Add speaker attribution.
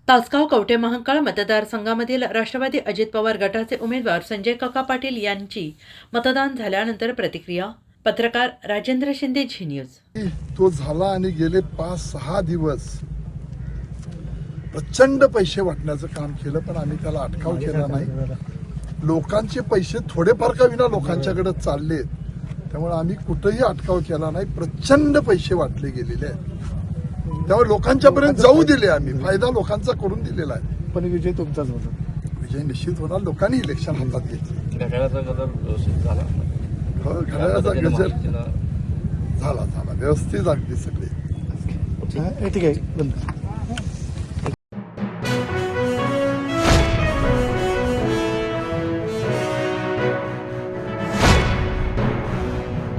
Speaker 1: तासगाव कवठे महांकाळ मतदारसंघामधील राष्ट्रवादी अजित पवार गटाचे उमेदवार संजय काका पाटील यांची मतदान झाल्यानंतर प्रतिक्रिया. पत्रकार राजेंद्र शिंदे, झी न्यूज.
Speaker 2: तो झाला आणि गेले 5-6 दिवस प्रचंड पैसे वाटण्याचं काम केलं, पण आम्ही त्याला अटकाव केला नाही. लोकांचे पैसे थोडेफार का विना लोकांच्याकडे चालले, त्यामुळे आम्ही कुठेही अटकाव केला नाही. प्रचंड पैसे वाटले गेलेले आहेत, त्यामुळे लोकांच्यापर्यंत जाऊ दिले. आम्ही फायदा लोकांचा करून दिलेला आहे.
Speaker 3: पण विजय तुमचाच होता.
Speaker 2: विजय निश्चित होणार. लोकांनी इलेक्शन हातात घेतले.
Speaker 4: घड्याळाचा गजर व्यवस्थित झाला.
Speaker 2: हो, घड्याळाचा गजर झाला व्यवस्थित, अगदी सगळे.
Speaker 3: ठीक आहे, बंद.